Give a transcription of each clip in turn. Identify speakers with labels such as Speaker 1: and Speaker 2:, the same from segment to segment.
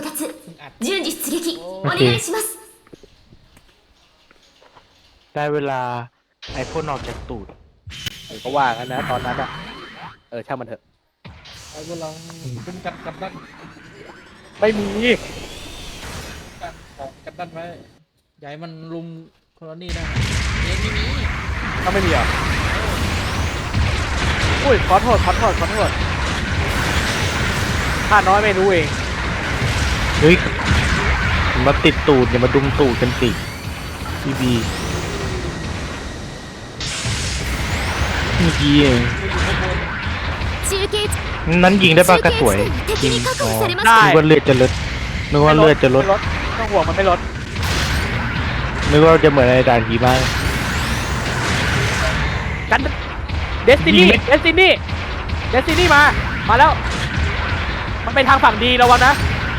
Speaker 1: 達順次出撃お願いします
Speaker 2: ได้เวลาไอพ่นออกจากตูด
Speaker 3: ก็ว่ากันนะตอนนั้นอ่ะช่างมันเถอะ
Speaker 4: ไอ้พวกเราคุ้มกันกับดัน
Speaker 3: ไม่มี
Speaker 4: กันของกันดันไว้ใหญ่มันลุมโคโลนี่ได้เย็นไม่มี
Speaker 3: ก็ไม่มีอ่ะอุ้ยขอโทษข้าน้อยไม่รู้เอง
Speaker 2: เฮ้ยมาติดตูดอย่ามาดุมตูดกันสิบีบีเมื่อกี้เอง
Speaker 1: 中継地
Speaker 2: นั้นยิงได้ปะกระสวย
Speaker 1: 敵に確保されまし
Speaker 3: ได้
Speaker 1: た
Speaker 2: นึกว่าเลือดจะลดนึกว่าเลือดจะลด
Speaker 3: ไม่ต้องห่วงมันไม่ลด
Speaker 2: นึกว่าจะเหมือนในด่านผีบ้าง
Speaker 3: กันเดสตินีมาแล้ว มันไปทางฝั่งดีระวังนะ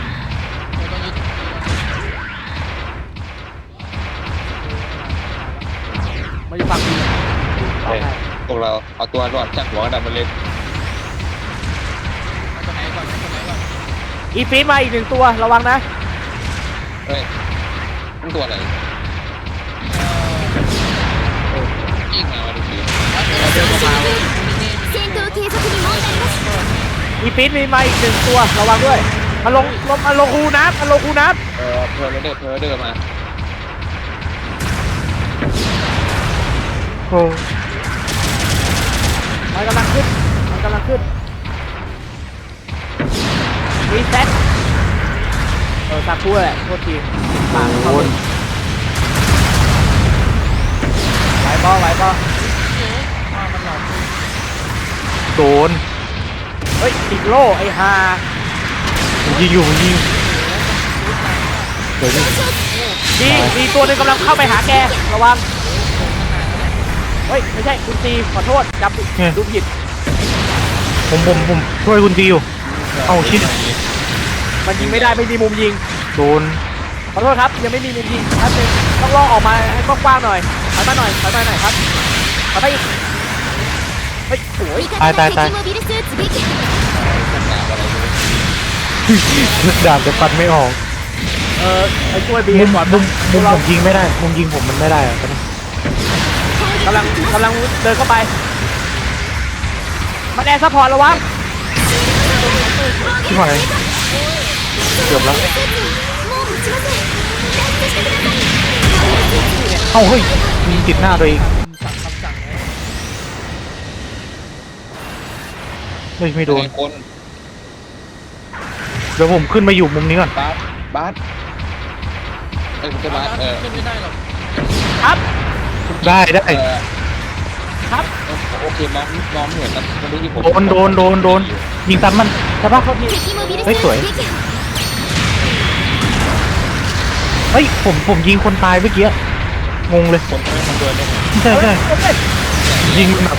Speaker 3: มันอยู่ฝั่งดี
Speaker 5: พวกเราเอาตัวรอดจากหัวกระดาษมันเล็ก
Speaker 4: ตัวไหนก่อนตัวไหนก่อน
Speaker 3: อีฟีดมาอีกหนึ่งตัวระวังนะ
Speaker 5: เฮ้ยมันตัวอะไรยิงมาดูดิ
Speaker 1: 戦闘継続に問題なし
Speaker 3: อีฟีดมีมาอีกหนึ่งตัวระวังด้วยมันลงคูน้ำ
Speaker 5: เพอร์เดอร์มา
Speaker 2: โอ้
Speaker 3: มันกำลังขึ้นรีเซ็ตสักครู่แหละโทษทีปาก
Speaker 2: โห
Speaker 3: เข้าไหวปอ
Speaker 4: มันหลอก
Speaker 2: โดน
Speaker 3: เฮ้ยติดโล่ไอ้ฮา
Speaker 2: มันยิงอยู่เดี๋ยวนี้
Speaker 3: มีตัวหนึงกำลังเข้าไปหาแกระวังเฮ้ยไม่ใช่คุณตีขอโทษจำดูผิด
Speaker 2: ผมช่วยคุณตีอยู่เอาชิด
Speaker 3: มันยิงไม่ได้ไม่มีมุมยิง
Speaker 2: โดน
Speaker 3: ขอโทษครับยังไม่มีมุมยิงครับต้องล่อออกมาให้กว้างๆหน่อยถอยมาหน่อยครับถอยไปอีกเฮ้ยสวย
Speaker 1: 味方が敵モビルスーツ撃破
Speaker 2: ดาบจะปัดไม่ออก
Speaker 3: ไปช่วยบี
Speaker 2: มุม
Speaker 3: ก่อน
Speaker 2: ผมยิงไม่ได้มุมยิงผมมันไม่ได้อะตอนนี้
Speaker 3: กำลังเดินเข้าไปมันแอร์ซัพพอร์ตระวัง
Speaker 2: ที่ไหนเกือบแล้ว
Speaker 1: もう持ちません脱出してください
Speaker 2: เอ้าเฮ้ยยิงติดหน้าตัวเอง
Speaker 4: สั่งคำสั่งไว้
Speaker 2: เฮ้ยไม่โดน
Speaker 5: คน
Speaker 2: เดี๋ยวผมขึ้นมาอยู่มุมนี้ก่อน
Speaker 5: บาสคุณจะบาส
Speaker 4: ขึ้นไม่ได้หรอก
Speaker 3: ครับ
Speaker 2: ได้
Speaker 3: ครับ
Speaker 5: โอเคมองเหมือนกันมันรู้ที่ผม
Speaker 2: โดนยิงตันมันใช่ปะ
Speaker 1: 敵モビルスーツ撃破
Speaker 2: เฮ้ยผมยิงคนตายเมื่อกี้งงเลย
Speaker 5: คนไม่ทำตัวเนี่ย
Speaker 2: ใช่ยิงแบบ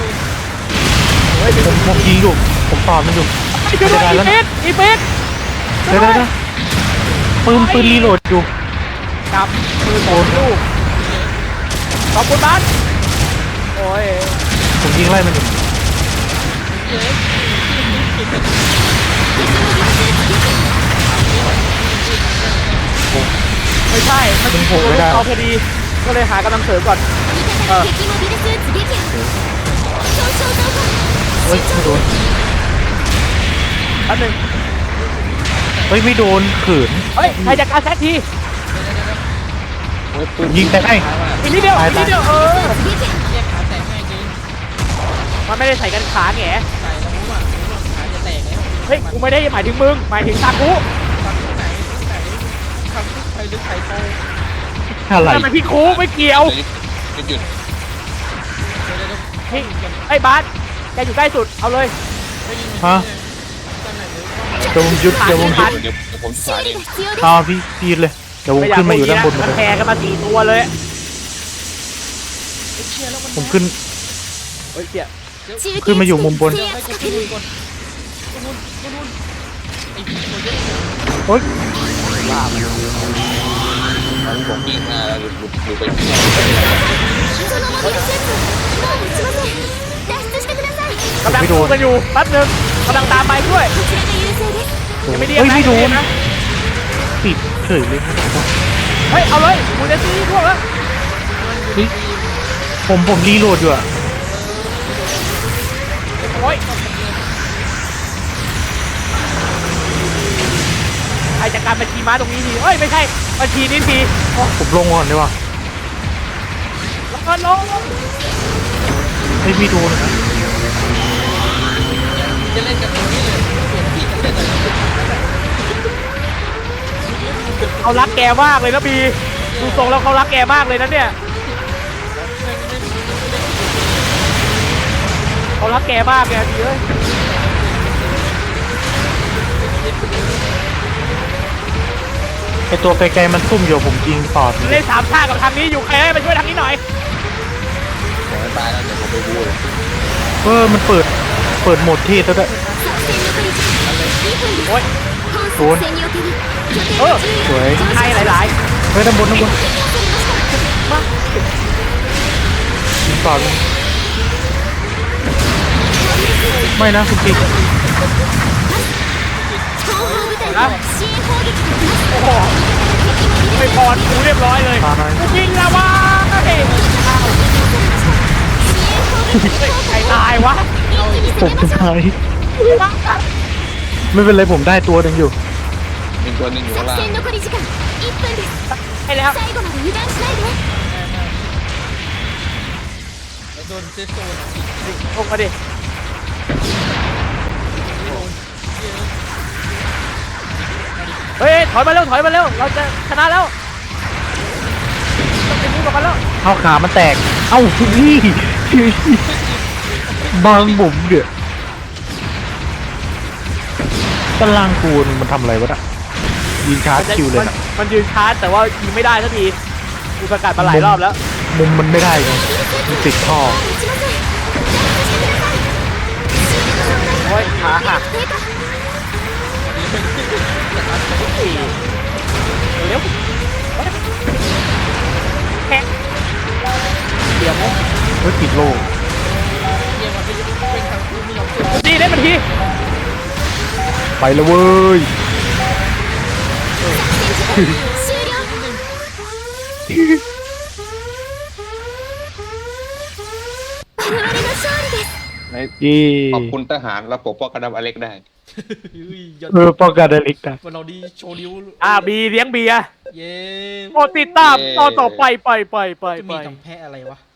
Speaker 2: ผมยิงอยู่ผมตอดมันอยู่
Speaker 3: ช่วยด้วยอีฟิต
Speaker 2: เดี๋ยวปืนรีโหลดอยู่
Speaker 3: กับมือโอนลูกขอบคุณบ้านโอ้ย
Speaker 2: ผมยิงไล่มันอยู่
Speaker 3: ไม่ใช่มันยิงตัวลูกเอาพอดีก็เลยหากำลังเสริมก่อน
Speaker 1: 味方が敵モビルスーツ撃破損傷増加
Speaker 2: เฮ้ยไม่โดน
Speaker 3: อันหนึ่ง
Speaker 2: เฮ้ยไม่โดนขืน
Speaker 3: เฮ้ยใครจะการแซกที
Speaker 2: ยิงแต่ไอ้
Speaker 3: อีกนิดเดียว
Speaker 1: 撃破
Speaker 4: แยกขาแตกง่ายจริง
Speaker 3: มันไม่ได้ใส่กันขาแง่
Speaker 4: ใส่แล้วรู้ว่าขาจะแตกแล้ว
Speaker 3: เฮ้ยกูไม่ได้หมายถึงมึงหมายถึงซากุ
Speaker 4: ฟังที่ไหนทำใครลึกใครโต
Speaker 2: อะไร
Speaker 3: ทำไมพี่คูไม่เกี่ยว
Speaker 5: หยุด
Speaker 3: พี่ไอ้บาสแกอยู่ใกล้สุดเอาเลย
Speaker 2: ฮะเดี๋ยวผมยุด
Speaker 5: เดี๋ยวผมสาย
Speaker 1: 修
Speaker 5: เอ
Speaker 1: 理
Speaker 5: ง
Speaker 1: が必要です
Speaker 2: เอาพี่เลยเดี๋ยวผมขึ้นมาอยู่ด้านบนหมด
Speaker 3: มัน
Speaker 2: เลย
Speaker 3: แพรกันมา4ตัวเลย
Speaker 2: ผมขึ้น
Speaker 3: เฮ้ยเจี๊ย
Speaker 1: 中継地
Speaker 2: ขึ้นมาอยู่มุมบน
Speaker 1: 制圧確認
Speaker 2: โอ๊ย
Speaker 5: ผมยิงมาแล้วดูไป
Speaker 1: そのモビルスーツもう持ちません脱出してください
Speaker 3: กำลังดูกันอยู่แป๊บนึงกำลังตามไปด้วย
Speaker 1: こちらが優勢です
Speaker 3: ยังไม่ดี
Speaker 2: เฮ้ยไม่โดน
Speaker 3: นะ
Speaker 2: ปิดเฉยเลย
Speaker 3: เฮ้ยเอาเลยมูเดซี่พวกแล้ว
Speaker 2: เฮ้ยผมรีโหลดอยู่อะ
Speaker 3: โอ้ยใครจัดการบัญชีม้าตรงนี้ทีเฮ้ยไม่ใช่บัญชีนี้ทีโอ้
Speaker 2: ผมลงก่อนดีกว่า
Speaker 3: แล้วก็ลง
Speaker 2: ไม่มีโดนนะ
Speaker 4: จะเล่นกันตรงนี้เลยเปลี่ยนที่กันเล่นเลย
Speaker 3: เขารักแกมากเลยนะบีดูทรงแล้วเขารักแกมากเลยนะเนี่ยเขารักแกมากแกดีเอ้ย
Speaker 2: ไอตัวไกลๆมันซุ่มอยู่ผมยิงปอด
Speaker 3: เล่นสามชาติกับทางนี้อยู่ใครให้มาช่วยทางนี้หน่อย
Speaker 5: ผมไม่ตายแล้วเดี๋ยวผมไปบูเลย
Speaker 2: มันเปิดโหมดเทศแล้วด้วย
Speaker 1: 作戦残り時間2分です
Speaker 3: โอ้ย
Speaker 1: 本作戦における拠点
Speaker 3: เออ
Speaker 1: の重
Speaker 2: สวย
Speaker 3: ใครหลาย
Speaker 2: เฮ้ยด้านบนยิงปอดไม่นะคุณปิ๊ก
Speaker 1: 後方部隊から支援砲撃が来ます
Speaker 3: ๆ โอ้โหไม่พรกูเรียบร้อยเลย
Speaker 2: ตาหน่อย
Speaker 3: กูยิงแล้ววะเฮ้ย
Speaker 1: 支援砲撃
Speaker 3: ใครตายวะ
Speaker 2: ผมจะตายไม่เป็นไรผมได้ตัวหนึ่งอยู่
Speaker 5: มีตัวหนึงอยู่ข้าง
Speaker 1: 作
Speaker 5: ล่าง
Speaker 1: 戦残り時間1分です
Speaker 3: ให้แล้ว
Speaker 1: 最後まで油断しないで
Speaker 4: แล้วโดนเซฟโซนอ่ะ
Speaker 3: ลงมาดิเฮ้ยถอยมาเร็วเราจะชนะแล้วต้องไปมูกับมันแล้ว
Speaker 2: เอาขามันแตก เอ้าพี่บางบุ๋มเดือดตารางกูนมันทำอะไรวะน่ะยิงชาร์จคิวเลยนะ
Speaker 3: มันยืนชาร์จแต่ว่ายิงไม่ได้สักทีกูประกาศมาหลายรอบแล้ว
Speaker 2: มุมมันไม่ได้ไงมันติดท่อ
Speaker 1: 撃ちません脱出してください
Speaker 3: โอ้ยขาหัก
Speaker 1: 低下
Speaker 3: เร็วแค่เดี๋ยว
Speaker 2: เฮ้ยติดโลก
Speaker 4: เกมมันเป็นทางคู่ไม่ยอมสู้
Speaker 3: ดีได้มาที
Speaker 2: ไปแล้วเว้ย
Speaker 1: 終了我々の勝利です
Speaker 5: ใน
Speaker 2: ยี่
Speaker 5: ขอบคุณทหารเราปกป้องกันดับอเล็กได้
Speaker 4: เฮ้ยยอด
Speaker 2: ป้องกันได้เล็กนะ
Speaker 4: วันเราดีโชว์นิ้ว
Speaker 3: บีเลี้ยงเบียร์
Speaker 4: เย้
Speaker 3: โปรดติดตามตอนต่อไปไป
Speaker 4: จะมีทำแพ้อะไรวะ